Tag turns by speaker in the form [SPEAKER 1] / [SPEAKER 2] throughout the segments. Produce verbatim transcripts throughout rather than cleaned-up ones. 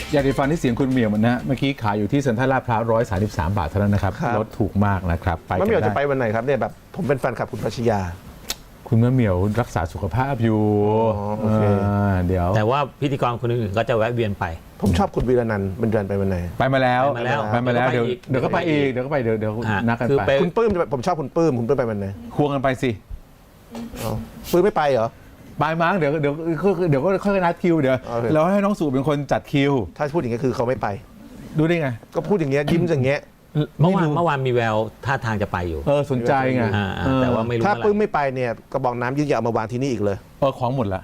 [SPEAKER 1] ยาสีฟันที่เสียงคุณเหมียวมันนะเมื่อกี้ขายอยู่ที่เซ็นทรัลลาดพร้าวร้อยสามสิบสามบาทเท่านั้นนะครับลดถูกมากนะครับไป
[SPEAKER 2] มะเหมียว
[SPEAKER 1] กัน
[SPEAKER 2] จะไป
[SPEAKER 1] ได้
[SPEAKER 2] วันไหนครับเนี่ยแบบผมเป็นแฟนคลับคุณพัชยา
[SPEAKER 1] คุณมะเหมียวรักษาสุขภาพอยู่
[SPEAKER 2] อ๋อโอเค
[SPEAKER 1] าเดี๋ยว
[SPEAKER 3] แต่ว่าพิธีกรคนอื่นๆก็จะแวะเวียนไป
[SPEAKER 2] ผมชอบคุณวีระนันท์บรรจงไปวันไหน
[SPEAKER 1] ไปมาแล้ว
[SPEAKER 3] ไปมาแล้ว
[SPEAKER 1] ไปมาแล้ว
[SPEAKER 3] เดี๋
[SPEAKER 1] เดี๋ย
[SPEAKER 3] ยว วก็
[SPEAKER 1] เดี๋ยวก็ไป
[SPEAKER 3] ไปอี
[SPEAKER 1] อีก
[SPEAKER 3] ก
[SPEAKER 1] เดี๋ยวก็ไปเดี๋ยวเดี๋ยว
[SPEAKER 3] อ่ะ
[SPEAKER 1] นัดกัน
[SPEAKER 3] คือ
[SPEAKER 1] ไป
[SPEAKER 3] ไป
[SPEAKER 2] คุณปื้มจะไปผมชอบคุณปื้มคุณปื้มไปวันไหน
[SPEAKER 1] ควงกันไปสิ
[SPEAKER 2] อ๋อปื้มไม่ไปเหรอ
[SPEAKER 1] ไปมั้งเดี๋ยวเดี๋ยวเดี๋ยวก็ค่อยนัดคิวเดี๋ยว
[SPEAKER 2] โอเค
[SPEAKER 1] เราให้น้องสู่เป็นคนจัดคิว
[SPEAKER 2] ถ้าพูดอย่างนี้คือเขาไม่ไป
[SPEAKER 1] ดูได้ไง
[SPEAKER 2] ก็พูดอย่างเงี้ยยิ้มอย่างเงี้ย
[SPEAKER 3] เมื่อวาน
[SPEAKER 1] รู้
[SPEAKER 3] เมื่อวานมีแววท่าทางจะไปอยู่
[SPEAKER 1] เออสนใจไง
[SPEAKER 3] อ่า
[SPEAKER 1] เออ
[SPEAKER 3] แต่ว่าไม่รู้
[SPEAKER 2] ถ้า
[SPEAKER 3] เมื่อไห
[SPEAKER 2] ปื้ม
[SPEAKER 3] ร่
[SPEAKER 2] ไม่ไปเนี่ยกระบอกน้ำยืดยาวมาวางที่นี่อีกเลย
[SPEAKER 1] เออของหมดละ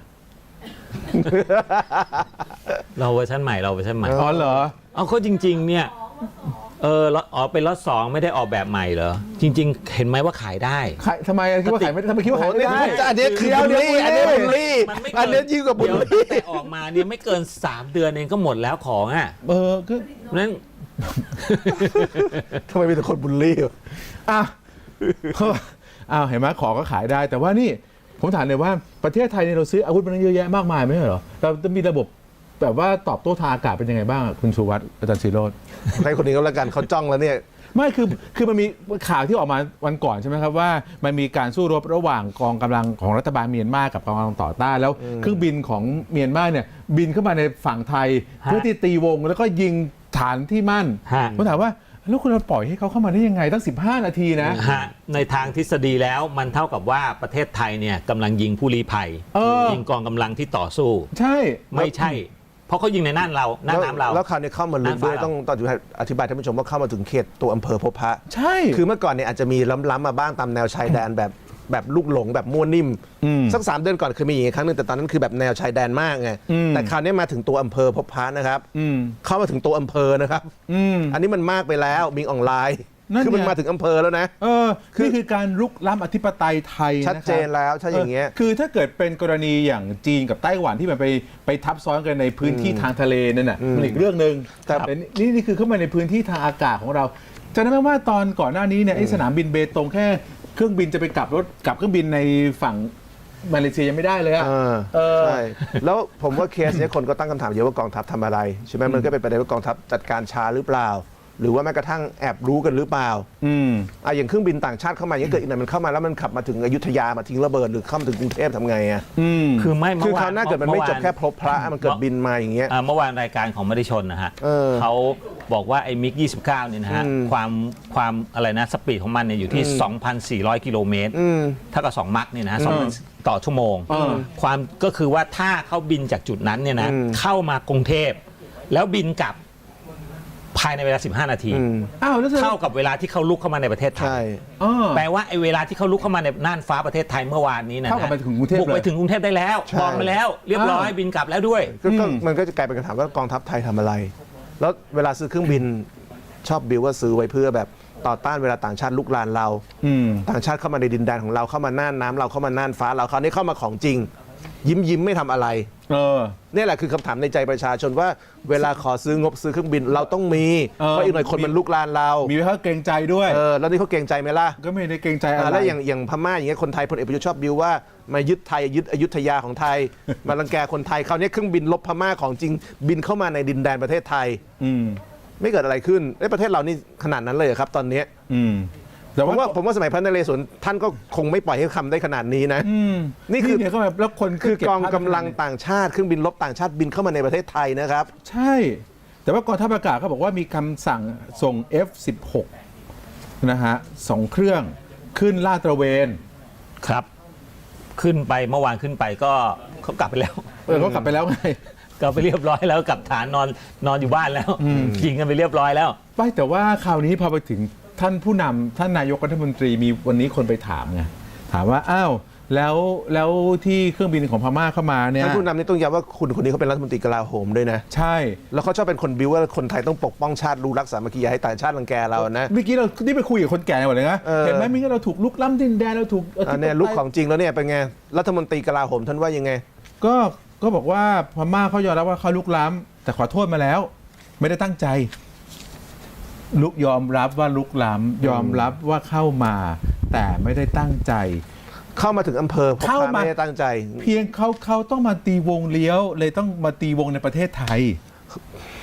[SPEAKER 3] เราเวอร์ชันใหม่เราเวอร์ชันใหม่
[SPEAKER 1] อ๋อเหรอ
[SPEAKER 3] เอาเขาจริง ๆ เนี่ยเออล็อตอ๋อเป็นล็อตสองไม่ได้ออกแบบใหม่เหรอจริง ๆ เห็นไหมว่าขายได้
[SPEAKER 1] ขายทำไมคิดว่าขายไม่ทำไมคิดว่าขายไม่ได้
[SPEAKER 2] อันนี้คือบุลลี่อันนี้บุลลี่
[SPEAKER 3] มันไม่
[SPEAKER 2] อัน
[SPEAKER 3] เกิ
[SPEAKER 2] นี้ยิ่งกว่าบุล
[SPEAKER 3] เดี๋ยว
[SPEAKER 2] ลี่
[SPEAKER 3] แต่ออกมาเนี่ยไม่เกินสามเดือนเองก็หมดแล้วของอ่ะ
[SPEAKER 1] เออก็
[SPEAKER 3] นั้น
[SPEAKER 2] ทำไมมีแต่คนบุลลี่วะ
[SPEAKER 1] อ่ะ อ้าวเห็นไหมของก็ขายได้ แต่ว่านี่ผมถามเลยว่าประเทศไทยเนี่ยเราซื้ออาวุธมันเยอะแยะมากมายไม่ใช่เหรอเราจะมีระบบแบบว่าตอบโต้ทางอากาศเป็นยังไงบ้างอะคุณชูวัฒน์อาจารย์ศิโรจน์
[SPEAKER 2] ให้คนนี้ก็แล้วกันเขาจ้องแล้วเนี่ย
[SPEAKER 1] ไม่คือคือมันมีข่าวที่ออกมาวันก่อนใช่ไหมครับว่ามันมีการสู้รบระหว่างกองกำลังของรัฐบาลเมียนมากับกองกำลังต่อต้านแล้วเครื่องบินของเมียนมาเนี่ยบินเข้ามาในฝั่งไทย
[SPEAKER 3] ฮะ
[SPEAKER 1] เพื่อที่ตีวงแล้วก็ยิงฐานที่มั่น
[SPEAKER 3] ฮะ
[SPEAKER 1] ผมถามว่าแล้วคุณเราปล่อยให้เขาเข้ามาได้ยังไงตั้งสิบห้านาทีนะ
[SPEAKER 3] ฮะในทางทฤษฎีแล้วมันเท่ากับว่าประเทศไทยเนี่ยกำลังยิงผู้ลี้ภัย
[SPEAKER 1] เออ
[SPEAKER 3] ยิงกองกำลังที่ต่อสู้
[SPEAKER 1] ใช่
[SPEAKER 3] ไม่ใช่ เพราะเขายิงในน่านเราน่านน้ำเรา
[SPEAKER 2] แล้วคราวนี้เข้ามาลึกด้วย
[SPEAKER 3] น้ำฟ้า
[SPEAKER 2] ต้องต้องอธิบายท่านผู้ชมว่าเข้ามาถึงเขตตัวอำเภอพบพระ
[SPEAKER 1] ใช่
[SPEAKER 2] คือเมื่อก่อนเนี่ยอาจจะมีล้ำๆมาบ้างตามแนวชายแดนแบบแบบลูกหลงแบบมั่วนิ่ม
[SPEAKER 1] อืม
[SPEAKER 2] สักสามเดือนก่อนเคยมีอย่างนี้ครั้งหนึงแต่ตอนนั้นคือแบบแนวชายแดนมากไง
[SPEAKER 1] อืม
[SPEAKER 2] แต่คราวนี้มาถึงตัวอำเภอพบพระนะครับ
[SPEAKER 1] อืม
[SPEAKER 2] เข้ามาถึงตัวอำเภอนะครับ
[SPEAKER 1] อืม
[SPEAKER 2] อันนี้มันมากไปแล้วมิงออนไลน์
[SPEAKER 1] นั่น
[SPEAKER 2] คือมัน
[SPEAKER 1] ไง
[SPEAKER 2] มาถึงอำเภอแล้วนะ
[SPEAKER 1] เออนี่คือการรุกล้ำอธิปไตยไทยนะครับ
[SPEAKER 2] ชัดเจนแล้วถ้าอย่างเงี้ย
[SPEAKER 1] คือถ้าเกิดเป็นกรณีอย่างจีนกับไต้หวันที่มันไปไปทับซ้อนกันในพื้นที่ทางทะเลนั่นน่ะมันอีกเรื่องหนึ่ง
[SPEAKER 2] แต่
[SPEAKER 1] แต่นี่นี่คือเข้ามาในพื้นที่ทางอากาศของเราจำได้ไหมว่าตอนก่อนหน้านี้เนี่ยไอ้สนามบินเบตงแค่เครื่องบินจะไปกลับรถกลับเครื่องบินในฝั่งมาเลเซียยังไม่ได้เลยอะ
[SPEAKER 2] เออ
[SPEAKER 1] เออ
[SPEAKER 2] ใช่แล้วผมว่าเคสเนี้ยคนก็ตั้งคำถามเยอะว่ากองทัพทำอะไรใช่ไหมมันก็เป็นประเด็นว่ากองทัพจัดการช้าหรือเปล่า หรือว่าแม้กระทั่งแอบรู้กันหรือเปล่า
[SPEAKER 1] อืม
[SPEAKER 2] อ่ะอย่างเครื่องบินต่างชาติเข้ามาอย่างนี้เกิดอีกหน่อยมันเข้ามาแล้วมันขับมาถึงอยุธยามาทิ้งระเบิดหรือเข้ามาถึงกรุงเทพทำไงอ่ะ
[SPEAKER 1] อืม
[SPEAKER 3] คือไม่
[SPEAKER 2] คือ
[SPEAKER 3] เมื่อ
[SPEAKER 2] คราวหน้าเกิดมันไม่จบแค่พบพระมันเกิดบินมาอย่างเงี้ย
[SPEAKER 3] อ่าเมื่อวานรายการของมติชนนะฮะ
[SPEAKER 2] เออ
[SPEAKER 3] เขาบอกว่าไอ้มิกยี่สิบเก้าเนี่ยนะฮะ
[SPEAKER 2] อืม
[SPEAKER 3] ความความอะไรนะสปีดของมันเนี่ยอยู่ที่ สองพันสี่ร้อย กิโลเมตร
[SPEAKER 2] อืม
[SPEAKER 3] เท่ากับสองมัคเนี่ยนะฮะ
[SPEAKER 1] อืม
[SPEAKER 3] สองพันต่อชั่วโมง
[SPEAKER 1] เออ
[SPEAKER 3] ความก็คือว่าถ้าเขาบินจากจุดนั้นเนี่ยนะ
[SPEAKER 2] อืม
[SPEAKER 3] เข้ามากรุงเทพแล้วบินกลับภายในเวลาสิบห้านาที
[SPEAKER 2] อืม
[SPEAKER 1] อ้าวแล้วจะ
[SPEAKER 3] เท่ากับเวลาที่เขาลุกเข้ามาในประเทศไท
[SPEAKER 2] ใช่
[SPEAKER 3] ย
[SPEAKER 1] อ๋อ
[SPEAKER 3] แปลว่าไอ้เวลาที่เขาลุกเข้ามาในน่านฟ้าประเทศไทยเมื่อวานนี้นะ
[SPEAKER 1] เท่ากับไปถึงกรุงเทพ
[SPEAKER 3] บุกไป
[SPEAKER 1] เลย
[SPEAKER 3] ถึงกรุงเทพได้แล้ว
[SPEAKER 2] ใช่
[SPEAKER 3] มองไปแล้ว เรียบร้อย
[SPEAKER 1] อ้าว
[SPEAKER 3] บินกลับแล้วด้วย
[SPEAKER 2] ก็ก็
[SPEAKER 1] อืม
[SPEAKER 2] มันก็จะกลายเป็นคำถามว่ากองทัพไทยทำอะไร แล้วเวลาซื้อเครื่องบินชอบบิวว่าซื้อไว้เพื่อแบบต่อต้านเวลาต่างชาติลุกลานเรา
[SPEAKER 1] อืม
[SPEAKER 2] ต่างชาติเข้ามาในดินแดนของเราเข้ามาน่านน้ำเราเข้ามาน่านฟ้าเราคราวนี้เข้ามาของจริง ยิ้มยิ้มไม่ทำอะไร
[SPEAKER 1] เออ
[SPEAKER 2] นี่แหละคือคำถามในใจประชาชนว่าเวลาขอซื้องบซื้อเครื่องบินเราต้องมี
[SPEAKER 1] เออ
[SPEAKER 2] เพราะอีกหน่อยคนมันลุกลานเรา
[SPEAKER 1] มีไว้เขาเกรงใจด้วย
[SPEAKER 2] เออแล้วนี่เขาเกรงใจไหมล่ะ
[SPEAKER 1] ก็ไม่ได้เกรงใจอะ
[SPEAKER 2] อ่า
[SPEAKER 1] ไร
[SPEAKER 2] แล้วอย่างอย่างพม่าอย่างเงี้ยคนไทยพลเอกประยุทธ์ชอบบิวว่ามายึดไทยยึดอยุธยาของไทย มารังแกคนไทยคราวนี้เครื่องบินลบพม่าของจริงบินเข้ามาในดินแดนประเทศไทย
[SPEAKER 1] อืม
[SPEAKER 2] ไม่เกิดอะไรขึ้นในประเทศเรานี่ขนาดนั้นเลยเหรอครับตอนเนี้ย
[SPEAKER 1] อืมแต่
[SPEAKER 2] ผม
[SPEAKER 1] ว่า
[SPEAKER 2] ว่าผมว่าสมัยพระนเรศวรท่านก็คงไม่ปล่อยให้คำได้ขนาดนี้นะ
[SPEAKER 1] อืม
[SPEAKER 2] นี่คือ
[SPEAKER 1] เนี่ยก็แบบแล้วคน
[SPEAKER 2] คือ
[SPEAKER 1] เบ
[SPEAKER 2] กอง
[SPEAKER 1] ภาพ
[SPEAKER 2] กำลังต่างชาติเครื่องบินรบต่างชาติบินเข้ามาในประเทศไทยนะครับ
[SPEAKER 1] ใช่ แต่ว่ากองทัพอากาศเขาบอกว่ามีคำสั่งส่ง เอฟ สิบหก นะฮะสองเครื่องขึ้นลาดตระเวน
[SPEAKER 3] ครับ ขึ้นไปเมื่อวานขึ้นไปก็เขากลับไปแล้ว
[SPEAKER 1] เออเขากลับไปแล้วไง
[SPEAKER 3] กลับไปเรียบร้อยแล้วกลับฐานนอนนอนอยู่บ้านแล้วยิงกันไปเรียบร้อยแล้ว
[SPEAKER 1] ไม่แต่ว่าคราวนี้พอไปถึงท่านผู้นำท่านนายกรัฐมนตรีมีวันนี้คนไปถามไงถามว่าอ้าวแล้วแล้วที่เครื่องบินของพม่าเข้ามาเนี่ย
[SPEAKER 2] ท่านผู้นำนี่ต้องย้ำว่าคุณคนนี้เขาเป็นรัฐมนตรีกลาโหมด้วยนะ
[SPEAKER 1] ใช่
[SPEAKER 2] แล้วเขาชอบเป็นคนบิวว่าคนไทยต้องปกป้องชาติรู้รักสามัคคีอย่าให้ต่างชาติรังแกเรานะ
[SPEAKER 1] เมื่อกี้เราที่ไปคุยกับคนแก่หมดเลยนะ
[SPEAKER 2] เออ
[SPEAKER 1] เห็นไหมมีเราถูกลุกล้ำดินแดนเราถูก
[SPEAKER 2] อันเนี้ยลุกของจริงแล้วเนี่ยเป็นไงรัฐมนตรีกลาโหมท่านว่ายังไง
[SPEAKER 1] ก็ก็บอกว่าพม่าเขายอมรับว่าเขาลุกล้ำแต่ขอโทษมาแล้ว ไม่ได้ตั้งใจ ลุกยอมรับว่าลุกล้ำยอมรับว่าเข้ามา แต่ไม่ได้ตั้งใจ
[SPEAKER 2] เข้ามาถึงอำเภอพบ
[SPEAKER 1] เข้า
[SPEAKER 2] พระ
[SPEAKER 1] มา
[SPEAKER 2] ไม่ได้ตั้งใจ
[SPEAKER 1] เพียงเขาเขาต้องมาตีวงเลี้ยว เลยต้องมาตีวงในประเทศไทย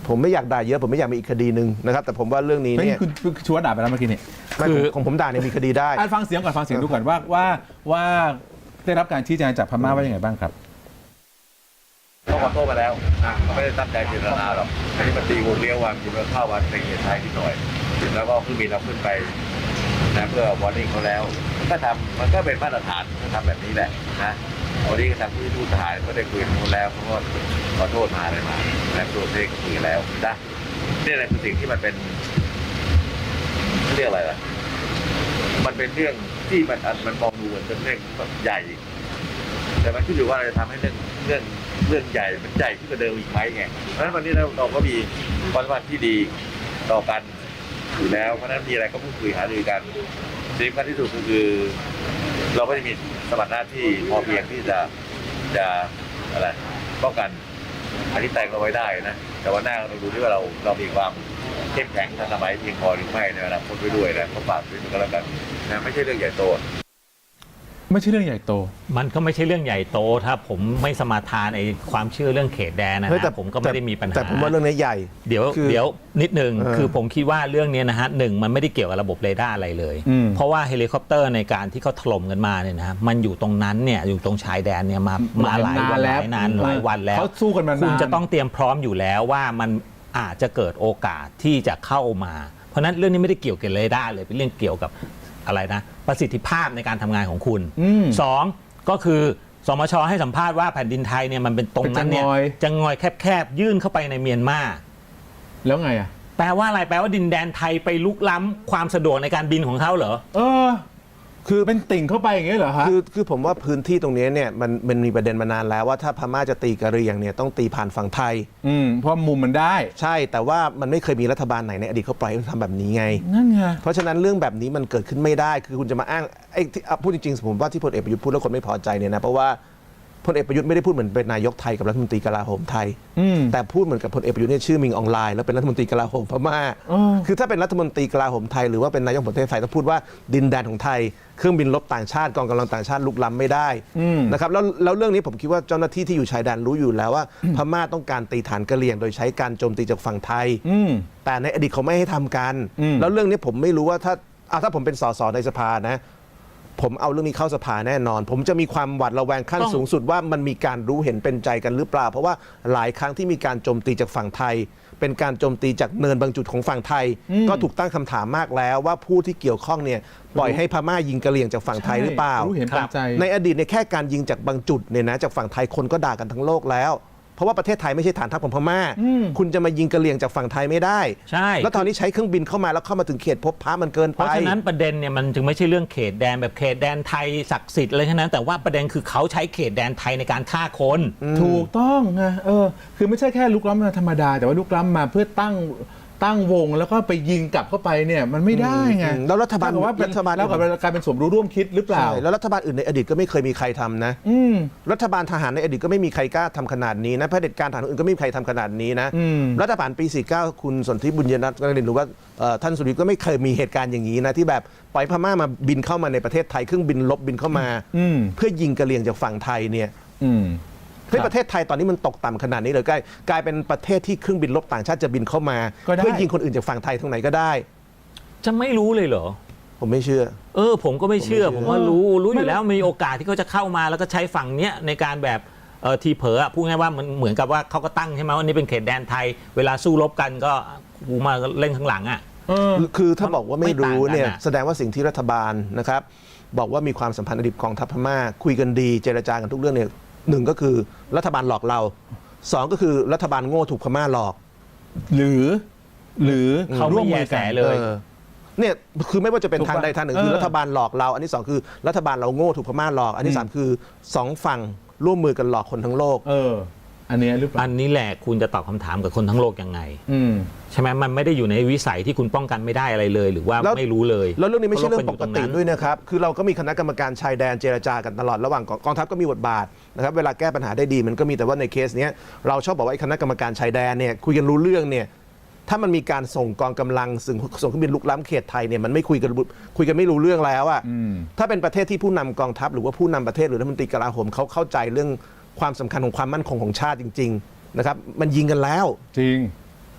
[SPEAKER 2] ผมไม่อยากด่าเยอะผมไม่อยากมีอีกคดีหนึ่งนะครับแต่ผมว่าเรื่องนี้
[SPEAKER 1] ไม่
[SPEAKER 2] เนี่ย
[SPEAKER 1] คุณคุณชวนด่าไปแล้วเมื่อกี้นี่
[SPEAKER 2] ไม่ผมของผมด่าเนี่ยมีคดีได้
[SPEAKER 1] อ่ะฟังเสียงก่อนฟังเสียงดูก่อนว่าว่าว่าได้รับการชี้แจงจากพม่าว่ายังไงบ้างครับ
[SPEAKER 4] เขาขอโทษมาแล้วนะเขาไม่ได้ตั้งใจเจตนาหรอกอันนี้มันตีวงเลี้ยววันอยู่แล้วเข้าวันเป็นเหตุไทยนิดหน่อยแล้วก็เครื่องบินเราขึ้นไปนะเพื่อวอร์นิ่งเขาแล้วมันก็ทำมันก็เป็นมาตรฐานเขาทำแบบนี้แหละนะวันนี้ก็ทางผู้ทูตทหารก็ได้คุยกับเขาแล้วเขาก็ขอโทษมาอะไรมาและตัวเทศก็คุยแล้วนะนี่แหละคือสิ่งที่มันเป็นเรียกอะไรล่ะมันเป็นเรื่องที่มันมันมองดูเหมือนเป็นเรื่องใหญ่แต่มันขึ้นอยู่ว่าเราจะทำให้เรื่องเรื่องเรื่องใหญ่มันใหญ่ขึ้นกว่าเดิมอีกไหมไงเพราะฉะนั้นวันนี้เราเราก็มีความสัมพันธ์ที่ดีต่อกันอยู่แล้วเพราะฉะนั้นมีอะไรก็พูดคุยหารือกันสิ่งสำคัญที่สุดก็คือ เราก็จะมีสมรรถหน้าที่พอเพียงที่จะจะอะไรป้องกันอันนี้แต่งเราไว้ได้นะแต่ว่าหน้าเราดูที่ว่าเราเรามีความเข้มแข็งทันสมัยเพียงพอหรือไม่ในอนาคตไปด้วยนะก็ฝากด้วยก็แล้วกันนะไม่ใช่เรื่องใหญ่โต
[SPEAKER 1] ไม่ใช่เรื่องใหญ่โต
[SPEAKER 3] มันก็ไม่ใช่เรื่องใหญ่โตถ้าผมไม่สมาทานไอ้ความเชื่อเรื่องเขตแดนนะ
[SPEAKER 2] เฮ้ยแต่
[SPEAKER 3] ฮะผมก็ไม่ได้มีปัญหา
[SPEAKER 2] แต่ผมว่าเรื่องนี้ใหญ่
[SPEAKER 3] เดี๋ยว
[SPEAKER 2] คือ
[SPEAKER 3] เดี๋ยวนิดนึง
[SPEAKER 2] เออ
[SPEAKER 3] คือผมคิดว่าเรื่องนี้นะฮะหนึ่งมันไม่ได้เกี่ยวกับระบบเรดาร์อะไรเลย
[SPEAKER 1] อืม
[SPEAKER 3] เพราะว่าเฮลิคอปเตอร์ในการที่เขาถล่มกันมาเนี่ยนะฮะมันอยู่ตรงนั้นเนี่ยอยู่ตรงชายแดนเนี่ยมามาหลายวันหลายนานหลายวันแล้ว
[SPEAKER 1] เขาสู้กันมานาน
[SPEAKER 3] คุณจะต้องเตรียมพร้อมอยู่แล้วว่ามันอาจจะเกิดโอกาสที่จะเข้ามา เพราะฉะนั้นเรื่องนี้ไม่ได้เกี่ยวกับเรดาร์เลยเป็นเรื่องเกี่ยวกับอะไรนะประสิทธิภาพในการทำงานของคุณ
[SPEAKER 1] อืม
[SPEAKER 3] สองก็คือสมชให้สัมภาษณ์ว่าแผ่นดินไทยเนี่ยมันเป็นตรงนั้นเนี่ย
[SPEAKER 1] เป็นจะงอย
[SPEAKER 3] จะงอยแคบๆยื่นเข้าไปในเมียนมา
[SPEAKER 1] แล้วไงอ่ะ
[SPEAKER 3] แปลว่าอะไรแปลว่าดินแดนไทยไปลุกล้ำความสะดวกในการบินของเขาเหรอ
[SPEAKER 1] เออ คือเป็นติ่งเข้าไปอย่างเงี้ยเหรอฮะ
[SPEAKER 2] คือคือผมว่าพื้นที่ตรงนี้เนี่ยมันมันมีประเด็นมานานแล้วว่าถ้าพม่าจะตีกะเหรี่ยงเนี่ยต้องตีผ่านฝั่งไทย
[SPEAKER 1] อืมเพราะมุมมันได้
[SPEAKER 2] ใช่แต่ว่ามันไม่เคยมีรัฐบาลไหนในอดีตเขาปล่อยให้ทำแบบนี้ไง
[SPEAKER 1] นั่นไง
[SPEAKER 2] เพราะฉะนั้นเรื่องแบบนี้มันเกิดขึ้นไม่ได้ คือคุณจะมาอ้างไอ้ที่อ่ะพูดจริงๆผมว่าที่พลเอกประยุทธ์พูดแล้วคนไม่พอใจเนี่ยนะเพราะว่าพลเอกประยุทธ์ไม่ได้พูดเหมือนเป็นนายกไทยกับรัฐมนตรีกลาโหมไทย
[SPEAKER 1] อืม
[SPEAKER 2] แต่พูดเหมือนกับพลเอกประยุทธ์เนี่ยชื่อมิงออนไลน์แล้วเป็นรัฐมนตรีกลาโหมพม่า
[SPEAKER 1] เออ
[SPEAKER 2] คือถ้าเป็นรัฐมนตรีกลาโหมไทยหรือว่าเป็นนายกประเทศไทยต้องพูดว่าดินแดนของไทยเครื่องบินรบต่างชาติกองกำลังต่างชาติลุกล้ำไม่ได้
[SPEAKER 1] อืม
[SPEAKER 2] นะครับแล้วแล้วเรื่องนี้ผมคิดว่าเจ้าหน้าที่ที่อยู่ชายแดนรู้อยู่แล้วว่าพม่าต้องการตีฐานกะเหรี่ยงโดยใช้การโจมตีจากฝั่งไทย
[SPEAKER 1] อืม
[SPEAKER 2] แต่ในอดีตเขาไม่ให้ทำกัน
[SPEAKER 1] อืม
[SPEAKER 2] แล้วเรื่องนี้ผมไม่รู้ว่าถ้าอ่ะถ้าผมเป็นสสในสภานะ ผมเอาเรื่องนี้เข้าสภาแน่นอน ผมจะมีความหวาดระแวงขั้น
[SPEAKER 3] ต้อง
[SPEAKER 2] สูงสุดว่ามันมีการรู้เห็นเป็นใจกันหรือเปล่า เพราะว่าหลายครั้งที่มีการโจมตีจากฝั่งไทย เป็นการโจมตีจากเนินบางจุดของฝั่งไทย
[SPEAKER 1] อืม
[SPEAKER 2] ก็ถูกตั้งคำถามมากแล้วว่าผู้ที่เกี่ยวข้องเนี่ยปล่อยให้พม่ายิงกะเหรี่ยงจากฝั่งไทยหรือเปล่า
[SPEAKER 1] รู้เห็นเป็นใจ
[SPEAKER 2] ในอดีตเนี่ยแค่การยิงจากบางจุดเนี่ยนะจากฝั่งไทยคนก็ด่ากันทั้งโลกแล้ว เพราะว่าประเทศไทยไม่ใช่ฐานทัพของพม่า
[SPEAKER 1] อืม
[SPEAKER 2] คุณจะมายิงกะเหรี่ยงจากฝั่งไทยไม่ได้
[SPEAKER 3] ใช่
[SPEAKER 2] แล้วตอนนี้ใช้เครื่องบินเข้ามาแล้วเข้ามาถึงเขตพบพระมันเกิน
[SPEAKER 3] เพ
[SPEAKER 2] ไป
[SPEAKER 3] ราะฉะนั้นประเด็นเนี่ยมันจึงไม่ใช่เรื่องเขตแดนแบบเขตแดนไทยศักดิ์สิทธิ์อะไรทั้งนั้นแต่ว่าประเด็นคือเขาใช้เขตแดนไทยในการฆ่าคน
[SPEAKER 1] ถูกต้องไงเออ คือไม่ใช่แค่ลุกล้ำมาธรรมดา แต่ว่าลุกล้ำมาเพื่อตั้งตั้งวงแล้วก็ไปยิงกลับเข้าไปเนี่ยมันไม่ได้ไง
[SPEAKER 2] อืมแล้วรัฐบาล
[SPEAKER 1] เท่กับว่าเป็น
[SPEAKER 2] รัฐบาล
[SPEAKER 1] แล้วกับกลายเป็นสมรู้ร่วมคิดหรือเปล่า
[SPEAKER 2] ใช่แล้วรัฐบาลอื่นในอดีตก็ไม่เคยมีใครทำนะ
[SPEAKER 1] อืม
[SPEAKER 2] รัฐบาลทหารในอดีตก็ไม่มีใครกล้าทำขนาดนี้นะเผด็จการทหารอื่นก็ไม่มีใครทำขนาดนี้นะ
[SPEAKER 1] อืม
[SPEAKER 2] รัฐบาลปี สี่สิบเก้า คุณสนธิบุญยรัตน์ก็เรียนรู้ว่าเอ่อท่านสุริยก็ไม่เคยมีเหตุการณ์อย่างนี้นะที่แบบปล่อยพม่ามาบินเข้ามาในประเทศไทยเครื่องบินลบบินเข้ามา
[SPEAKER 1] อืม
[SPEAKER 2] เพื่อยิงกะเหรี่ยงจากฝั่งไทยเนี่ย
[SPEAKER 1] อืม
[SPEAKER 2] เฮ้ยประเทศไทยตอนนี้มันตกต่ำขนาดนี้เลยกลายกลายเป็นประเทศที่เครื่องบินรบต่างชาติจะบินเข้ามา
[SPEAKER 1] ก็ได้
[SPEAKER 2] เพื่อยิงคนอื่นจากฝั่งไทยตรงไหนก็ได้
[SPEAKER 3] จะไม่รู้เลยเหรอ
[SPEAKER 2] ผมไม่เชื่อ
[SPEAKER 3] เออผมก็ไม่เชื่อ
[SPEAKER 2] ผม
[SPEAKER 3] ผ
[SPEAKER 2] ไม่
[SPEAKER 3] ม
[SPEAKER 2] เชื่อ
[SPEAKER 3] ว่ารู้รู้อ
[SPEAKER 1] ไม่
[SPEAKER 3] ยู่แล้วมีโอกาสที่เขาจะเข้ามาแล้วก็ใช้ฝั่งเนี้ยในการแบบเออทีเผลออะพูดง่ายว่ามันเหมือนกับว่าเขาก็ตั้งใช่ไหมว่านี่เป็นเขตแดนไทย เวลาสู้รบกันก็กูมาเล่นข้างหลังอ่ะ
[SPEAKER 1] เออ
[SPEAKER 2] คือคือถ้าบอกว่าไม่รู้เนี่ย
[SPEAKER 3] ไม่ต่างกันอะ
[SPEAKER 2] แสดงว่าสิ่งที่รัฐบาลนะครับบอกว่ามีความสัมพันธ์อดีตกองทัพพม่าคุยกันดีเจรจากันทุกเรื่องเนี่ยหนึ่งก็คือรัฐบาลหลอกเราสองก็คือรัฐบาลโง่ถูกพม่าหลอก
[SPEAKER 1] หรือ หรือ
[SPEAKER 3] เขาไม่
[SPEAKER 1] ร่วม
[SPEAKER 3] แย
[SPEAKER 1] มือ
[SPEAKER 3] แส
[SPEAKER 1] กัน
[SPEAKER 3] เลย
[SPEAKER 2] ออเนี่ยคือไม่ว่าจะเป็น
[SPEAKER 1] ถูก
[SPEAKER 2] ทาง
[SPEAKER 1] ปะ
[SPEAKER 2] ใดทางหนึ่ง
[SPEAKER 1] เออ
[SPEAKER 2] คือรัฐบาลหลอกเรา อันที่สองคือรัฐบาลเราโง่ถูกพม่าหลอก อันที่
[SPEAKER 1] อืม
[SPEAKER 2] สามคือสองฝั่งร่วมมือกันหลอกคนทั้งโลก
[SPEAKER 1] เออ อันเนี้ยหรือเปล่า
[SPEAKER 3] อันนี้แหละคุณจะตอบคำถามกับคนทั้งโลกยังไง
[SPEAKER 1] อืม
[SPEAKER 3] ใช่ไหมมันไม่ได้อยู่ในวิสัยที่คุณป้องกันไม่ได้อะไรเลย หรือว่า
[SPEAKER 2] แล้ว
[SPEAKER 3] ไม่รู้เลย
[SPEAKER 2] แล้วเรื่องนี้ไม่ใช่เรื่องปกติ
[SPEAKER 3] พาะา
[SPEAKER 2] ด้วยนะครับ คือเราก็มีคณะกรรมการชายแดนเจรจากันตลอดระหว่างกองกองทัพก็มีบทบาทนะครับเวลาแก้ปัญหาได้ดีมันก็มีแต่ว่าในเคสเนี้ยเราชอบบอกว่าไอ้คณะกรรมการชายแดนเนี่ยคุยกันรู้เรื่องเนี่ยถ้ามันมีการส่งกองกำลังส่งส่งเครื่องบินลุกล้ำเขตไทยเนี่ยมันไม่คุยกันคุยกันไม่รู้เรื่องแล้วอะ
[SPEAKER 1] อืม
[SPEAKER 2] ถ้าเป็นประเทศที่ผู้นำกองทัพหรือว่าผู้นำประเทศหรือรัฐมนตรีกลาโหมเขาเข้าใจเรื่องความสำคัญของความมั่นคงของชาติจริงๆนะครับมันยิงกันแล้ว
[SPEAKER 1] จริง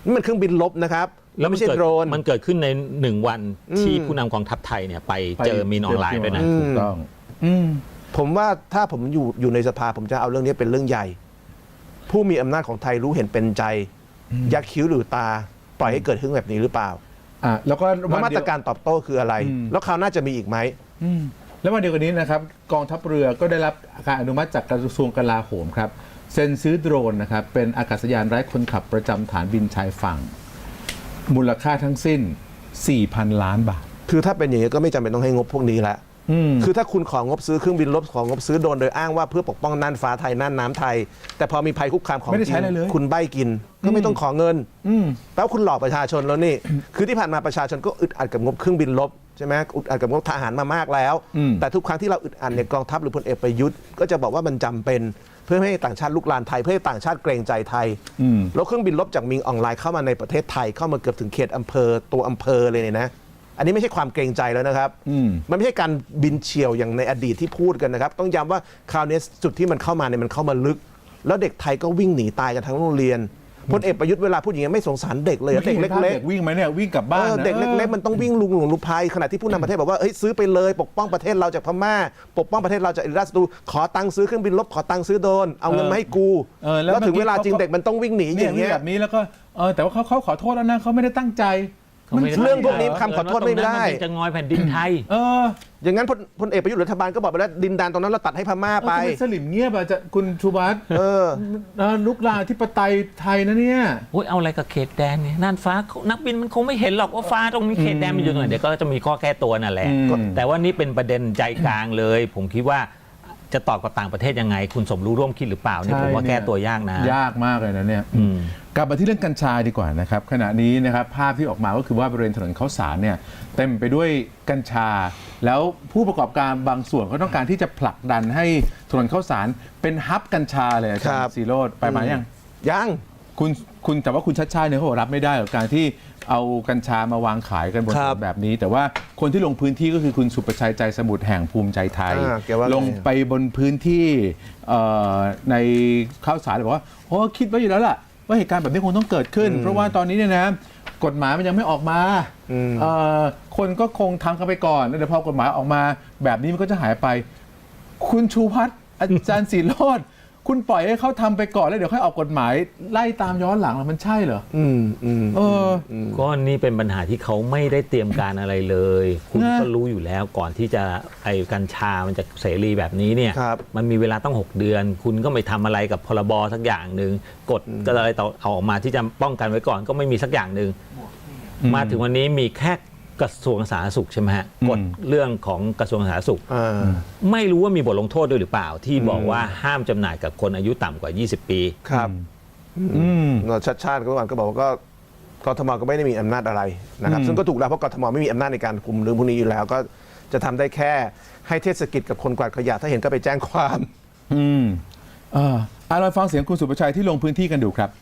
[SPEAKER 2] นี่มันเครื่องบินลบนะครับแล้วไม่ใช่
[SPEAKER 3] เกิด
[SPEAKER 2] โดรน
[SPEAKER 3] มันเกิดขึ้นในหนึ่งวัน
[SPEAKER 2] อืม
[SPEAKER 3] ที่ผู้นำกองทัพไทยเนี่ยไปเจอมีนออนไลน์ด้วยนะ
[SPEAKER 1] ถูกต้องอืม
[SPEAKER 2] ผมว่าถ้าผมอยู่อยู่ในสภาผมจะเอาเรื่องนี้เป็นเรื่องใหญ่ ผู้มีอำนาจของไทยรู้เห็นเป็นใจยักคิ้วหรือตาปล่อยให้เกิดเรื่องแบบนี้หรือเปล่า
[SPEAKER 1] อ่ะแล้วก็
[SPEAKER 2] แล้ว
[SPEAKER 1] วัน
[SPEAKER 2] มา
[SPEAKER 1] เดี
[SPEAKER 2] ต
[SPEAKER 1] ย
[SPEAKER 2] ร
[SPEAKER 1] ว
[SPEAKER 2] การตอบโต้คืออะไร
[SPEAKER 1] อืม
[SPEAKER 2] แล้วคราวหน้าจะมีอีกไหม
[SPEAKER 1] อืมแล้ววันเดียวกันนี้นะครับกองทัพเรือก็ได้รับการอนุมัติจากกระทรวงกลาโหมครับเซ็นซื้อโดรนนะครับเป็นอากาศยานไร้คนขับประจำฐานบินชายฝั่ง มูลค่าทั้งสิ้น สี่พัน ล้านบาท
[SPEAKER 2] คือถ้าเป็นอย่างนี้ก็ไม่จำเป็นต้องให้งบพวกนี้ละ
[SPEAKER 1] อืม
[SPEAKER 2] คือถ้าคุณของงบซื้อเครื่องบินลบของงบซื้อโดรนโดยอ้างว่าเพื่อปกป้องน่านฟ้าไทยน่านน้ำไทย แต่พอมีภัยคุกคามของ
[SPEAKER 1] ไม่ได้
[SPEAKER 2] จริ
[SPEAKER 1] ใช้
[SPEAKER 2] ง
[SPEAKER 1] อะไรเลย
[SPEAKER 2] คุณใบ้กิน ก็ไม่ต้องขอเงิน
[SPEAKER 1] อืม
[SPEAKER 2] แปลว่าคุณหลอกประชาชนแล้วนี่ คือที่ผ่านมาประชาชนก็อึดอัดกับงบเครื่องบินลบใช่ไหมอึดอัดกับงบทหารมามากแล้ว
[SPEAKER 1] อืม
[SPEAKER 2] แต่ทุกครั้งที่เราอึดอัดเนี่ยกองทัพหรือพลเอกประยุทธ์ก็จะบอกว่ามันจำเป็นเพื่อไม่ให้ต่างชาติลุกลานไทยเพื่อให้ต่างชาติเกรงใจไทย
[SPEAKER 1] อืม
[SPEAKER 2] แล้วเครื่องบินลบจากมิงออนไลน์เข้ามาในประเทศไทยเข้ามาเกือบถึงเขตอำเภอตัวอำเภอเลยเนี่ยนะอันนี้ไม่ใช่ความเกรงใจแล้วนะครับ
[SPEAKER 1] อืม
[SPEAKER 2] มันไม่ใช่การบินเฉี่ยวอย่างในอดีตที่พูดกันนะครับ ต้องย้ำว่าคราวนี้จุดที่มันเข้ามาเนี่ยมันเข้ามาลึก แล้วเด็กไทยก็วิ่งหนีตายกันทั้งโรงเรียนพลเอกประยุทธ์เวลาพูดอย่างนี้ไม่สงสารเด็กเลยอะเด็กเล็ก
[SPEAKER 1] เด็กวิ่งไหมเนี่ยวิ่งกลับ
[SPEAKER 2] ๆ
[SPEAKER 1] บ้าน
[SPEAKER 2] เออ
[SPEAKER 1] นะ
[SPEAKER 2] เด็กเล็กๆมันต้องวิ่งลุงหลงลุกภัยขณะที่ผู้นำประเทศบอกว่าเฮ้ยซื้อไปเลยปกป้องประเทศเราจากพม่า ปกป้องประเทศเราจากอิรัสตูขอตังค์ซื้อเครื่องบินลบขอตังค์ซื้อโดรนเอาเงินมาให้กู
[SPEAKER 1] เออแล้ว
[SPEAKER 2] แล้วถึงเวลาจริง
[SPEAKER 1] เมื่อกี้
[SPEAKER 2] เด็กมันต้องวิ่งหนี
[SPEAKER 1] เนี่
[SPEAKER 2] อย ย่าง
[SPEAKER 1] วิ่ง
[SPEAKER 2] เงี้ย
[SPEAKER 1] แบบนี้แล้วก็เออแต่ว่าเขาเขาขอโทษแล้วนะเขาไม่ได้ตั้งใจ
[SPEAKER 3] เขาไม่ได้
[SPEAKER 2] เรื่องพวกนี้คำขอโทษไม่ได้
[SPEAKER 3] มันเป็นจะงอยแผ่นดินไทย
[SPEAKER 1] เออ
[SPEAKER 2] อย่างนั้นพลพลเอกประยุทธ์รัฐบาลก็บอกไปแล้วดินแดนตรงนั้นเราตัดให้พม่า
[SPEAKER 1] เออ
[SPEAKER 2] ไป
[SPEAKER 1] ทำไมสลิมเงียบอะจะคุณชูวัฒน์
[SPEAKER 2] เออ
[SPEAKER 1] เออลุกลามที่ปไตยไทยนะเนี่ย
[SPEAKER 3] โอ้ยเอาอะไรกับเขตแดนเนี่ยน่านฟ้านักบินมันคงไม่เห็นหรอกว่าฟ้าตรงนี้เขตแดนมันอยู่ตรงไหนเดี๋ยวก็จะมีข้อแก้ตัวนั่นแหละ
[SPEAKER 1] อืม
[SPEAKER 3] แต่ว่านี่เป็นประเด็นใจกลางเลย ผมคิดว่าจะตอบกับต่างประเทศยังไง คุณสมรู้ร่วมคิดหรือเปล่าเนี่ยผมว่าแก้ตัวยากนะ
[SPEAKER 1] ยากมากเลยนะเนี่ย
[SPEAKER 3] อืม
[SPEAKER 1] กลับมาที่เรื่องกัญชาดีกว่านะครับขณะนี้นะครับภาพที่ออกมาก็คือว่าบริเวณถนนข้าวสารเนี่ยเต็มไปด้วยกัญชา แล้วผู้ประกอบการบางส่วนก็ต้องการที่จะผลักดันให้ถนนข้าวสารเป็นฮับกัญชาเลยอาจาร
[SPEAKER 2] ครับ
[SPEAKER 1] ย์ซีโรจน์ไปมายัง
[SPEAKER 2] ยัง
[SPEAKER 1] คุณคุณแต่ว่าคุณชัดชาติเนี่ยเขาบอกรับไม่ได้กับการที่เอากัญชามาวางขายกันบนถ
[SPEAKER 2] ครั
[SPEAKER 1] น
[SPEAKER 2] บ
[SPEAKER 1] นแบบนี้ แต่ว่าคนที่ลงพื้นที่ก็คือคุณสุประชัยใจสมุทรแห่งภูมิใจไทย
[SPEAKER 2] อ่าแกว่าไง
[SPEAKER 1] ลงไปบนพื้นที่เอ่อในข้าวสารเลยบอกว่าโอ้คิดไว้อยู่แล้วล่ะว่าเหตุการณ์แบบนี้คงต้องเกิดขึ้น เพราะว่าตอนนี้เนี่ยนะกฎหมายมันยังไม่ออกมา
[SPEAKER 2] อืม
[SPEAKER 1] เอ่อคนก็คงทำกันไปก่อนแล้วเดี๋ยวพอกฎหมายออกมาแบบนี้มันก็จะหายไป คุณชูพัฒน์อาจารย์ศิโรจน์คุณปล่อยให้เขาทำไปก่อนแล้วเดี๋ยวค่อยออกกฎหมายไล่ตามย้อนหลังแล้วมันใช่เหรอ
[SPEAKER 2] อืมอืม
[SPEAKER 1] เออ
[SPEAKER 3] ก็นี่เป็นปัญหาที่เขาไม่ได้เตรียมการอะไรเลย คุณ
[SPEAKER 1] นะ
[SPEAKER 3] ก็รู้อยู่แล้วก่อนที่จะไอ้กัญชามันจะเสรีแบบนี้เนี่ย
[SPEAKER 2] ครับ
[SPEAKER 3] มันมีเวลาต้องหกเดือน คุณก็ไม่ทำอะไรกับพรบสักอย่างหนึ่งกฎก็อะไรต่อเอาออกมาที่จะป้องกันไว้ก่อนก็ไม่มีสักอย่างหนึ่งมาถึงวันนี้มีแค่กระทรวงสาธารณสุขใช่ไหมฮะกฎเรื่องของกระทรวงสาธารณสุข
[SPEAKER 2] อ่า
[SPEAKER 3] ไม่รู้ว่ามีบทลงโทษด้วยหรือเปล่า ที่บอกว่าห้ามจำหน่ายกับคนอายุต่ำกว่า ยี่สิบ ปี
[SPEAKER 2] ครับ
[SPEAKER 1] อืม
[SPEAKER 2] เราชัดชาติก็ก่อนก็บอกว่าก็กทมก็ไม่ได้มีอำนาจอะไรนะครับ
[SPEAKER 1] อืม
[SPEAKER 2] ซึ่งก็ถูกแล้วเพราะกทมไม่มีอำนาจในการคุมเรื่องพวกนี้อยู่แล้ว ก็จะทำได้แค่ให้เทศกิจกับคนกวาดขยะถ้าเห็นก็ไปแจ้งความ
[SPEAKER 1] อืมเอออ่ะเราฟังเสียงคุณสุประชัยที่ลงพื้นที่กันดูครับ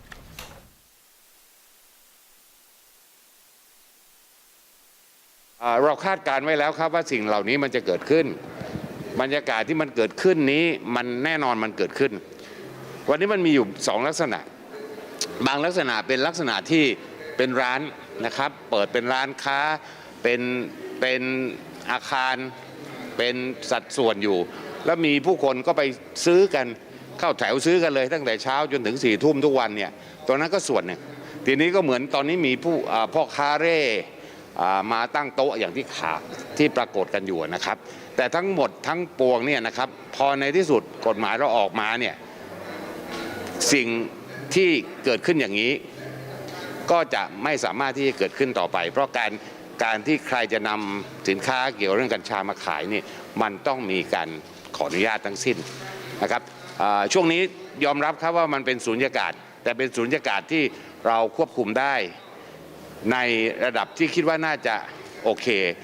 [SPEAKER 5] อ่าเราคาดการณ์ไว้แล้วครับว่าสิ่งเหล่านี้มันจะเกิดขึ้น บรรยากาศที่มันเกิดขึ้นนี้มันแน่นอนมันเกิดขึ้น วันนี้มันมีอยู่สองลักษณะ บางลักษณะเป็นลักษณะที่เป็นร้านนะครับ เปิดเป็นร้านค้าเป็นเป็นอาคารเป็นสัดส่วนอยู่ แล้วมีผู้คนก็ไปซื้อกันเข้าแถวซื้อกันเลย ตั้งแต่เช้าจนถึงสี่ทุ่มทุกวันเนี่ยตรงนั้นก็ส่วนหนึ่งทีนี้ก็เหมือนตอนนี้มีผู้อ่าพ่อค้าเร่อ่ามาตั้งโต๊ะอย่างที่ข่าวที่ปรากฏกันอยู่นะครับ แต่ทั้งหมดทั้งปวงเนี่ยนะครับพอในที่สุดกฎหมายเราออกมาเนี่ยสิ่งที่เกิดขึ้นอย่างนี้ก็จะไม่สามารถที่จะเกิดขึ้นต่อไป เพราะการการที่ใครจะนำสินค้าเกี่ยวเรื่องกัญชามาขายนี่มันต้องมีการขออนุญาตทั้งสิ้นนะครับอ่าช่วงนี้ยอมรับครับว่ามันเป็นสูญญากาศแต่เป็นสูญญากาศที่เราควบคุมได้ในระดับที่คิดว่าน่าจะโอเค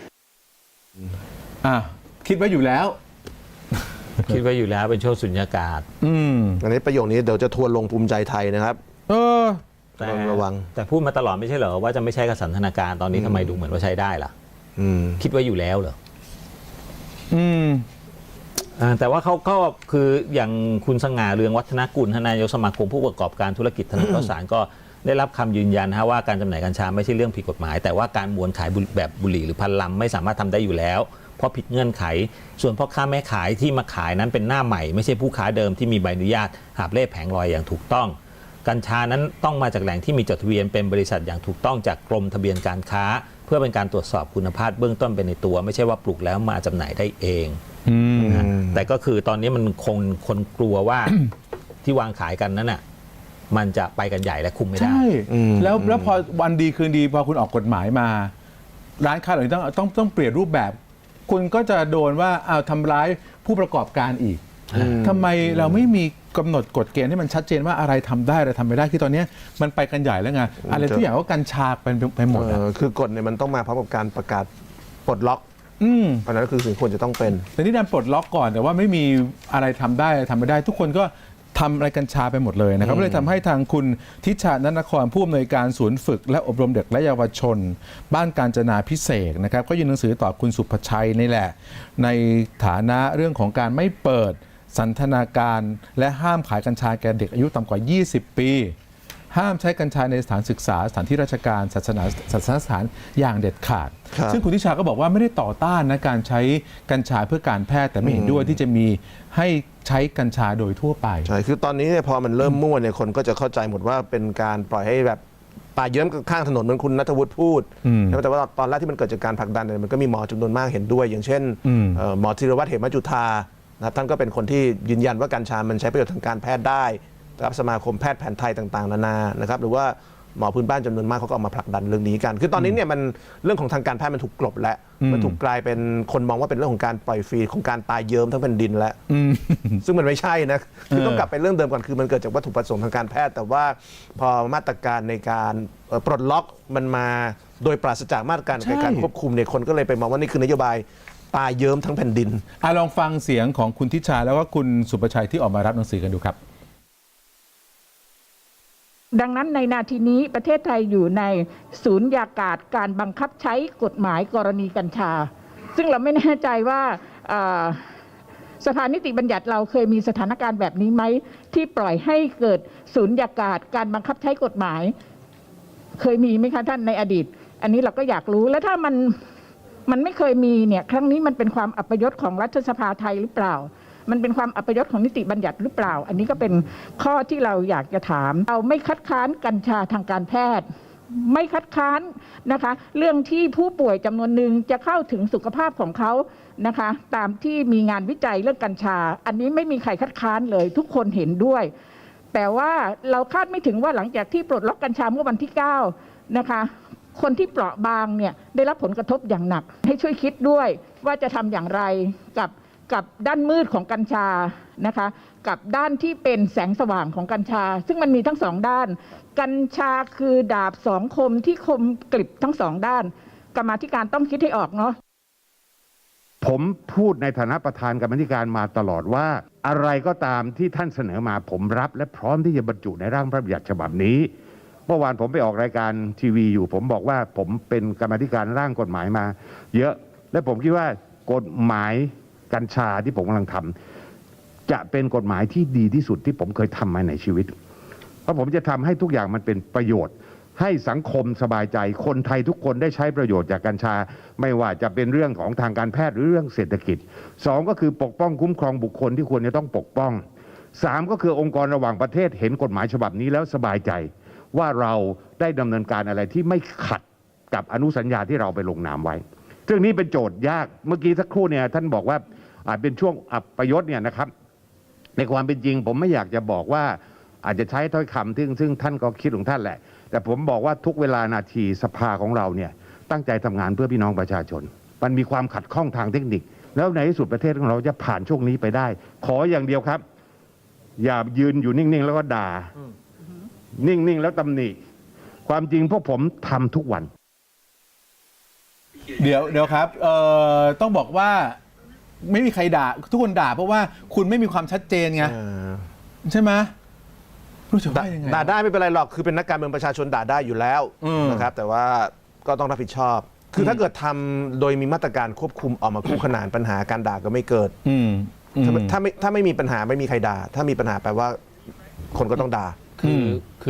[SPEAKER 1] อ่ะคิดไว้อยู่แล้ว
[SPEAKER 3] คิดไว้อยู่แล้วเป็นช่วงสุญญากาศ
[SPEAKER 1] อืม
[SPEAKER 2] อันนี้ประโยคนี้เดี๋ยวจะทัวร์ลงภูมิใจไทยนะครับ
[SPEAKER 1] เออ
[SPEAKER 3] แต่
[SPEAKER 2] ระวัง
[SPEAKER 3] แต่พูดมาตลอดไม่ใช่เหรอว่าจะไม่ใช้กับสันทนาการตอนนี้ทำไมดูเหมือนว่าใช้ได้ล่ะ
[SPEAKER 2] อืม
[SPEAKER 3] คิดไว้อยู่แล้วเหรอ
[SPEAKER 1] อืม
[SPEAKER 3] อ่าแต่ว่าเขาก็คืออย่างคุณสง่าเรืองวัฒนกุลทานนายกสมาคมผู้ประกอบการธุรกิจถนนข้าวสารก็ได้รับคำยืนยันฮะว่าการจำหน่ายกัญชาไม่ใช่เรื่องผิดกฎหมาย แต่ว่าการมวลขายบุแบบบุหรี่หรือพันลำไม่สามารถทำได้อยู่แล้วเพราะผิดเงื่อนไข ส่วนพ่อค้าแม่ขายที่มาขายนั้นเป็นหน้าใหม่ไม่ใช่ผู้ค้าเดิมที่มีใบอนุญาตหาบเล่แผงลอยอย่างถูกต้องกัญชานั้นต้องมาจากแหล่งที่มีจดทะเบียนเป็นบริษัทอย่างถูกต้องจากกรมทะเบียนการค้า เพื่อเป็นการตรวจสอบคุณภาพเบื้องต้นเป็นในตัว ไม่ใช่ว่าปลูกแล้วมาจำหน่ายได้เองนะแต่ก็คือตอนนี้มันคงคนกลัวว่า ที่วางขายกันนั้นน่ะมันจะไปกันใหญ่และคุมไม่ได้
[SPEAKER 1] ใช่แล้วแล้วพอวันดีคืนดีพอคุณออกกฎหมายมา ร้านค้าเหล่านี้ต้องต้องต้องเปลี่ยนรูปแบบ คุณก็จะโดนว่าเอาทำร้ายผู้ประกอบการอีกทำไมเราไม่มีกำหนดกฎเกณฑ์ให้มันชัดเจนว่าอะไรทำได้อะไรทำไม่ได้คือตอนนี้มันไปกันใหญ่แล้วไงอะไรทุกอย่างก็กัญชาเป็นไปหมด
[SPEAKER 2] เอ
[SPEAKER 1] อะ
[SPEAKER 2] อคือกฎเนี่ยมันต้องมาพร้อมกับการประกาศปลดล็อก
[SPEAKER 1] อืม
[SPEAKER 2] อันนั้นคือสิ่งควรจะต้องเป็น
[SPEAKER 1] แต่นี่ดันปลดล็อกก่อนแต่ว่าไม่มีอะไรทำได้อะไรทำไม่ได้ ทุกคนก็ทำอะไรกัญชาไปหมดเลยนะครับก็เลยทำให้ทางคุณทิชานันนครผู้อำนวยการศูนย์ฝึกและอบรมเด็กและเยาวชน บ้านกาญจนาพิเศษนะครับก็ยื่นหนังสือต่อคุณสุภชัยนี่แหละ ในฐานะเรื่องของการไม่เปิดสันทนาการและห้ามขายกัญชาแก่เด็กอายุต่ำกว่ายี่สิบปี ห้ามใช้กัญชาในสถานศึกษาสถานที่ราชการศาสนาศาสนสถานอย่างเด็ดขาด
[SPEAKER 2] ครับ
[SPEAKER 1] ซึ่งคุณทิชาก็บอกว่าไม่ได้ต่อต้านนะการใช้กัญชาเพื่อการแพทย์แต่ไม่เห็นด้วยที่จะมีให้ใช้กัญชาโดยทั่วไป
[SPEAKER 2] ใช่คือตอนนี้เนี่ยพอมันเริ่มมั่วเนี่ยคนก็จะเข้าใจหมดว่าเป็นการปล่อยให้แบบป่าเยิ้มข้างถนนเหมือนคุณณัฐวุฒิพูด
[SPEAKER 1] อืม
[SPEAKER 2] แต่ว่าตอนแรกที่มันเกิดจากการผลักดันเนี่ยมันก็มีหมอจำนวนมากเห็นด้วย อย่างเช่น
[SPEAKER 1] อืม
[SPEAKER 2] เอ่อหมอธีรวัฒน์เหมจุฑานะครับท่านก็เป็นคนที่ยืนยันว่ากัญชามันใช้ประโยชน์ทางการแพทย์ได้นะครับสมาคมแพทย์แผนไทยต่างๆนานานะครับหรือว่าหมอพื้นบ้านจำนวนมากเขาก็ออกมาผลักดันเรื่องนี้กัน คือตอนนี้เนี่ยมันเรื่องของทางการแพทย์มันถูกกลบแล้วมันถูกกลายเป็นคนมองว่าเป็นเรื่องของการปล่อยฟรีของการตายเยิ้มทั้งแผ่นดินแล้ว ซึ่งมันไม่ใช่นะคือต้องกลับไปเรื่องเดิมก่อนคือมันเกิดจากวัตถุประสงค์ทางการแพทย์ แต่ว่าพอมาตรการในการเอ่อปลดล็อกมันมาโดยปราศจากมาตรการ
[SPEAKER 1] ใช่
[SPEAKER 2] ในการควบคุมเนี่ยคนก็เลยไปมองว่านี่คือนโยบายตายเยิ้มทั้งแผ่นดิน
[SPEAKER 1] อ่ะลองฟังเสียงของคุณทิชาแล้วก็คุณสุประชัยที่ออกมารับหนังสือกันดูครับ
[SPEAKER 6] ดังนั้นในนาทีนี้ประเทศไทยอยู่ในศูนยากาศการบังคับใช้กฎหมายกรณีกัญชา ซึ่งเราไม่แน่ใจว่าเอ่อสภานิติบัญญัติเราเคยมีสถานการณ์แบบนี้ไหมที่ปล่อยให้เกิดศูนยากาศการบังคับใช้กฎหมาย เคยมีไหมคะท่านในอดีต อันนี้เราก็อยากรู้แล้วถ้ามันมันไม่เคยมีเนี่ยครั้งนี้มันเป็นความอัปยศของรัฐสภาไทยหรือเปล่า มันเป็นความอัปยศของนิติบัญญัติหรือเปล่า อันนี้ก็เป็นข้อที่เราอยากจะถามเราไม่คัดค้านกัญชาทางการแพทย์ ไม่คัดค้านนะคะเรื่องที่ผู้ป่วยจำนวนหนึ่งจะเข้าถึงสุขภาพของเขานะคะตามที่มีงานวิจัยเรื่องกัญชา อันนี้ไม่มีใครคัดค้านเลยทุกคนเห็นด้วย แต่ว่าเราคาดไม่ถึงว่าหลังจากที่ปลดล็อกกัญชาเมื่อวันที่เก้านะคะคนที่เปราะบางเนี่ยได้รับผลกระทบอย่างหนักให้ช่วยคิดด้วยว่าจะทำอย่างไรกับกับด้านมืดของกัญชานะคะกับด้านที่เป็นแสงสว่างของกัญชา ซึ่งมันมีทั้งสองด้านกัญชาคือดาบสองคมที่คมกริบทั้งสองด้านกรรมาธิการต้องคิดให้ออกเนาะ
[SPEAKER 7] ผมพูดในฐานะประธานกรรมาธิการมาตลอดว่า อะไรก็ตามที่ท่านเสนอมาผมรับและพร้อมที่จะบรรจุในร่างพระบัญญัติฉบับนี้เมื่อวานผมไปออกรายการทีวีอยู่ ผมบอกว่าผมเป็นกรรมาธิการร่างกฎหมายมา เยอะและผมคิดว่ากฎหมายกัญชาที่ผมกำลังทำจะเป็นกฎหมายที่ดีที่สุดที่ผมเคยทำมาในชีวิต เพราะผมจะทำให้ทุกอย่างมันเป็นประโยชน์ ให้สังคมสบายใจคนไทยทุกคนได้ใช้ประโยชน์จากกัญชา ไม่ว่าจะเป็นเรื่องของทางการแพทย์หรือเรื่องเศรษฐกิจสองก็คือปกป้องคุ้มครองบุคคลที่ควรจะต้องปกป้องสามก็คือองค์กรระหว่างประเทศเห็นกฎหมายฉบับนี้แล้วสบายใจว่าเราได้ดำเนินการอะไรที่ไม่ขัดกับอนุสัญญาที่เราไปลงนามไว้เรื่องนี้เป็นโจทย์ยากเมื่อกี้สักครู่เนี่ยท่านบอกว่าอาจเป็นช่วงอัปยศเนี่ยนะครับในความเป็นจริงผมไม่อยากจะบอกว่าอาจจะใช้ถ้อยคำซึ่งซึ่งท่านก็คิดของท่านแหละแต่ผมบอกว่าทุกเวลานาทีสภาของเราเนี่ยตั้งใจทำงานเพื่อพี่น้องประชาชนมันมีความขัดข้องทางเทคนิคแล้วในที่สุดประเทศของเราจะผ่านช่วงนี้ไปได้ขออย่างเดียวครับอย่ายืนอยู่นิ่งๆแล้วก็ด่านิ่งๆแล้วตำหนิความจริงพวกผมทำทุกวัน
[SPEAKER 1] เดี๋ยวเดี๋ยวครับเอ่อต้องบอกว่าไม่มีใครด่าทุกคนด่าเพราะว่าคุณไม่มีความชัดเจนไงใช่ไหมรู้จะว่ายังไง
[SPEAKER 2] ด่าได้ไม่เป็นไรหรอกคือเป็นนักการเมืองประชาชนด่าได้อยู่แล้ว
[SPEAKER 1] อืม
[SPEAKER 2] นะครับแต่ว่าก็ต้องรับผิดชอบ คือถ้าเกิดทำโดยมีมาตรการควบคุมออกมาคู่ขนานปัญหาการด่าก็ไม่เกิด
[SPEAKER 1] อืมอืม
[SPEAKER 2] ถ้าถ้าไม่ถ้าไม่มีปัญหาไม่มีใครด่า ถ้ามีปัญหาแปลว่าคนก็ต้องด่า
[SPEAKER 3] คือคือ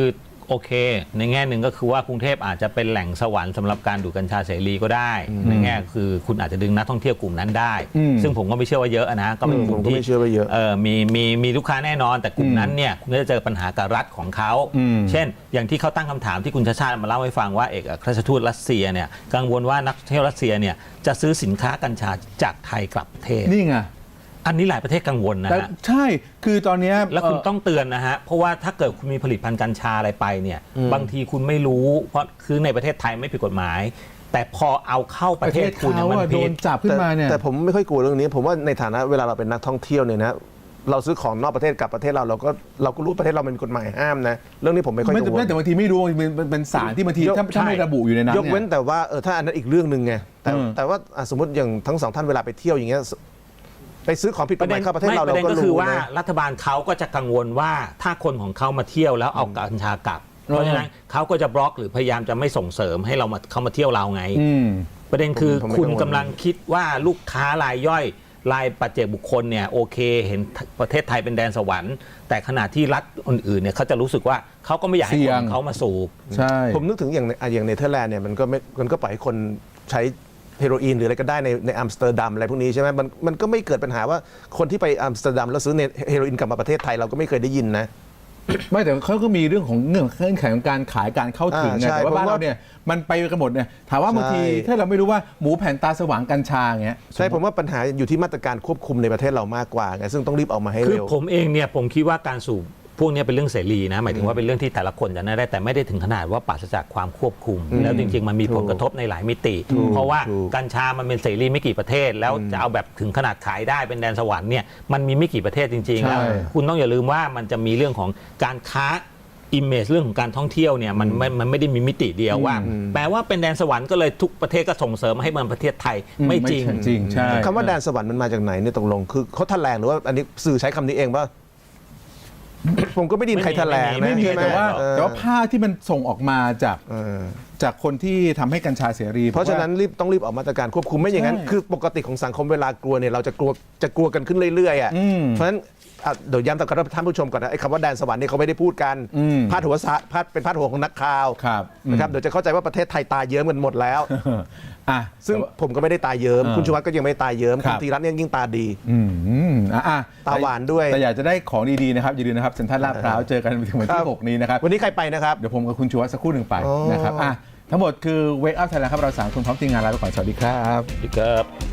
[SPEAKER 3] โอเค ในแง่หนึ่งก็คือว่ากรุงเทพอาจจะเป็นแหล่งสวรรค์สำหรับการดูดกัญชาเสรีก็ได้ ในแง่คือคุณอาจจะดึงนักท่องเที่ยวกลุ่มนั้นได้
[SPEAKER 1] อืม
[SPEAKER 3] ซึ่งผมก็ไม่เชื่อว่าเยอะนะก็เป็นกลุ่
[SPEAKER 2] ผม มก็
[SPEAKER 3] ที่
[SPEAKER 2] ไม่เชื่อว่าเยอะ
[SPEAKER 3] เออมีมีมีลูกค้าแน่นอนแต่กลุ่มนั้นเนี่ยคุณก็จะเจอปัญหากับรัฐของเขา
[SPEAKER 1] อืม
[SPEAKER 3] เช่น อย่างที่เขาตั้งคำถามที่คุณชาชาติมาเล่าให้ฟังว่าเอกอัครราชทูตรัสเซียเนี่ยกังวลว่านักท่องเที่ยวรัสเซียเนี่ยจะซื้อสินค้ากัญชาจากไทยกลับประเทศ
[SPEAKER 1] นี่ไง
[SPEAKER 3] อันนี้หลายประเทศกังวลนะ
[SPEAKER 1] แต่
[SPEAKER 3] ฮะ
[SPEAKER 1] ใช่คือตอนเนี้ย
[SPEAKER 3] แล้วคุณ
[SPEAKER 1] เ
[SPEAKER 3] ต้องเตือนนะฮะ เพราะว่าถ้าเกิดคุณมีผลิตภัณฑ์กัญชาอะไรไปเนี่ยบางทีคุณไม่รู้ เพราะคือในประเทศไทยไม่ผิดกฎหมาย แต่พอเอาเข้าประเทศคุณเนี่ย
[SPEAKER 1] เขา
[SPEAKER 3] มัน
[SPEAKER 1] อะโด
[SPEAKER 3] ผิด
[SPEAKER 1] นจับขึ้นมาเนี่ย
[SPEAKER 2] แต่แต่ผมไม่ค่อยกลัวเรื่องนี้ ผมว่าในฐานะเวลาเราเป็นนักท่องเที่ยวเนี่ยนะเราซื้อของนอกประเทศกลับประเทศเราเราก็เราก็รู้ประเทศเราเป็นกฎหมายห้ามนะเรื่องนี้ผมไม่ค่อย
[SPEAKER 1] ไม่
[SPEAKER 2] กังวล
[SPEAKER 1] แต่บางทีไม่รู้มันมันเป็นสารที่บางทีถ้าถ้าไม่ระบุอยู่ในนั้น
[SPEAKER 2] ยกเว้น
[SPEAKER 1] เนี่ย
[SPEAKER 2] แต่ว่าเออถ้าอันนั้นอีกเรื่องหนึ่งไงแต่
[SPEAKER 1] อืม แต่
[SPEAKER 2] แต่ว่าอ่ะสมมติอย่างทั้งสองท่านเวลาไปเที่ยวอย่างเงี้ยไปซื้อของผิดกฎหมายเข้าประเทศเรา
[SPEAKER 3] ไม่
[SPEAKER 2] เรา
[SPEAKER 3] ประเด็น
[SPEAKER 2] ก็
[SPEAKER 3] ก็คือ
[SPEAKER 2] รู้
[SPEAKER 3] ว่า
[SPEAKER 2] นะ
[SPEAKER 3] รัฐบาลเขาก็จะกังวลว่าถ้าคนของเขามาเที่ยวแล้วเอากัญชากลับ เพราะฉะนั้นเขาก็จะบล็อกหรือพยายามจะไม่ส่งเสริมให้เรามาเขามาเที่ยวเราไง
[SPEAKER 1] อืม
[SPEAKER 3] ประเด็นคือ
[SPEAKER 2] ผมไม่
[SPEAKER 3] คุณ
[SPEAKER 2] กังวล
[SPEAKER 3] กำลังคิดว่าลูกค้ารายย่อยรายปัจเจกบุคคลเนี่ยโอเค เห็นประเทศไทยเป็นแดนสวรรค์ แต่ขณะที่รัฐอื่นๆเนี่ยเขาจะรู้สึกว่าเขาก็ไม่อยากให้
[SPEAKER 1] เสี่
[SPEAKER 3] ค
[SPEAKER 1] ย
[SPEAKER 3] น
[SPEAKER 2] ง
[SPEAKER 3] ของเขามาสูบ
[SPEAKER 1] ใช่
[SPEAKER 2] ผมนึกถึงอย่างในอ่ะอย่างเนเธอร์แลนด์เนี่ยมันก็ไม่มันก็ปล่อยให้คนใช้เฮโรอีนหรืออะไรก็ได้ในในอัมสเตอร์ดัมอะไรพวกนี้ใช่ไหมมันมันก็ไม่เกิดปัญหาว่าคนที่ไปอัมสเตอร์ดัมแล้วซื้อเฮโรอีนกลับมาประเทศไทยเราก็ไม่เคยได้ยินนะ
[SPEAKER 1] ไม่แต่เขาก็มีเรื่องของเงื่อนเงื่อนไขของการขายการเข้าถึงไง
[SPEAKER 2] อ่าใช่
[SPEAKER 1] แต่ว่าบ้าน
[SPEAKER 2] ผมว่า
[SPEAKER 1] เราเนี่ยมันไปกันหมดเนี่ยถามว่าบางที
[SPEAKER 2] ใช่
[SPEAKER 1] ถ้าเราไม่รู้ว่าหมูแผ่นตาสว่างกัญชาอย่างเงี้ย
[SPEAKER 2] ใช่ผมว่าปัญหาอยู่ที่มาตรการควบคุมในประเทศเรามากกว่าไงซึ่งต้องรีบออกมาให้
[SPEAKER 3] คือ
[SPEAKER 2] เร็ว
[SPEAKER 3] ผมเองเนี่ยผมคิดว่าการสูบพวกเนี้ยเป็นเรื่องเสรีนะหมายถึงว่าเป็นเรื่องที่แต่ละคนจะได้แต่ไม่ได้ถึงขนาดว่าปราศจากความควบคุม แล้วจริง ๆ มันมีผลกระทบในหลายมิติ เพราะว่า
[SPEAKER 2] ถูก
[SPEAKER 3] กัญชามันเป็นเสรีไม่กี่ประเทศ แล้วจะเอาแบบถึงขนาดขายได้เป็นแดนสวรรค์เนี่ยมันมีไม่กี่ประเทศจริงๆ
[SPEAKER 1] ใช่
[SPEAKER 3] แล้วคุณต้องอย่าลืมว่ามันจะมีเรื่องของการค้าอิมเมจเรื่องของการท่องเที่ยวเนี่ยมันไม่มันไม่ได้มีมิติเดียวว่า แปลว่าเป็นแดนสวรรค์ก็เลยทุกประเทศก็ส่งเสริมให้มันประเทศไทยไม่จริง
[SPEAKER 1] จริงใช่
[SPEAKER 2] คำว่าแดนสวรรค์มันมาจากไหนเนี่ยตกลงคือเขาแถลงหรือว่าอันนี้สื่อใช้คำนี้เองว่า ผมก็ไม่ได้ยินใครแถลงนะ
[SPEAKER 1] ไม่มี
[SPEAKER 2] ใช่ห
[SPEAKER 1] แต่ว่า
[SPEAKER 2] เออ
[SPEAKER 1] แต่ว่าภาพที่มันส่งออกมาจาก
[SPEAKER 2] เออ
[SPEAKER 1] จากคนที่ทำให้กัญชาเสรี
[SPEAKER 2] เพราะฉะนั้นรีบต้องรีบออกมาตรการควบคุมไม่อย่างนั้น
[SPEAKER 1] ใช่
[SPEAKER 2] คือปกติของสังคมเวลากลัวเนี่ยเราจะกลัวจะกลัวกันขึ้นเรื่อยๆอ่ะ
[SPEAKER 1] อืม
[SPEAKER 2] เพราะฉะนั้นอ่ะเดี๋ยวย้ำกับท่านผู้ชมก่อนนะไอ้คำว่าแดนสวรรค์เนี่ยเขาไม่ได้พูดกัน
[SPEAKER 1] อืม
[SPEAKER 2] พาดหัวสะพาดเป็นพาดหัวของนักข่าว
[SPEAKER 1] ครับ
[SPEAKER 2] นะครับเดี๋ยวจะเข้าใจว่าประเทศไทยตายเยิ้มกันหมดแล้ว
[SPEAKER 1] อ่ะ
[SPEAKER 2] ซึ่งผมก็ไม่ได้ตายเยิ้ม
[SPEAKER 1] เออ
[SPEAKER 2] คุณชูวัฒน์ก็ยังไม่ได้ตายเยิ้ม
[SPEAKER 1] ครั
[SPEAKER 2] คุ
[SPEAKER 1] บ
[SPEAKER 2] ณธีรัตน์เนี่ยยิ่งตาดี
[SPEAKER 1] อืมอ่ะอ่ะ
[SPEAKER 2] ตาหวานด้วย
[SPEAKER 1] แต่อยากจะได้ของดีๆนะครับอย่าลืมนะครับเซ็นทรัลลาดพร้าวเจอกันถึงวัน
[SPEAKER 2] ครั
[SPEAKER 1] ที่
[SPEAKER 2] บ
[SPEAKER 1] หกนี้นะครับ
[SPEAKER 2] วันนี้ใครไปนะครับ
[SPEAKER 1] เดี๋ยวผมกับคุณชูวัฒน์สักครู่หนึ่งไป
[SPEAKER 2] อ๋อ
[SPEAKER 1] นะครับอ่ะทั้งหมดคือ Wake Up Thailand ครับเราสามคนพร้อมทีมงานลาไปก่อนสวัสดีครับ
[SPEAKER 3] ครับ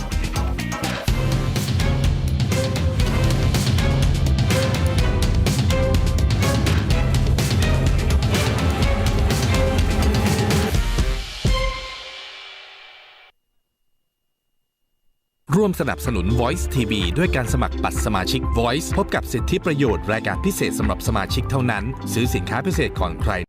[SPEAKER 8] ร่วมสนับสนุน Voice ที วี ด้วยการสมัครบัตรสมาชิก Voice พบกับสิทธิประโยชน์รายการพิเศษสำหรับสมาชิกเท่านั้น ซื้อสินค้าพิเศษก่อนใคร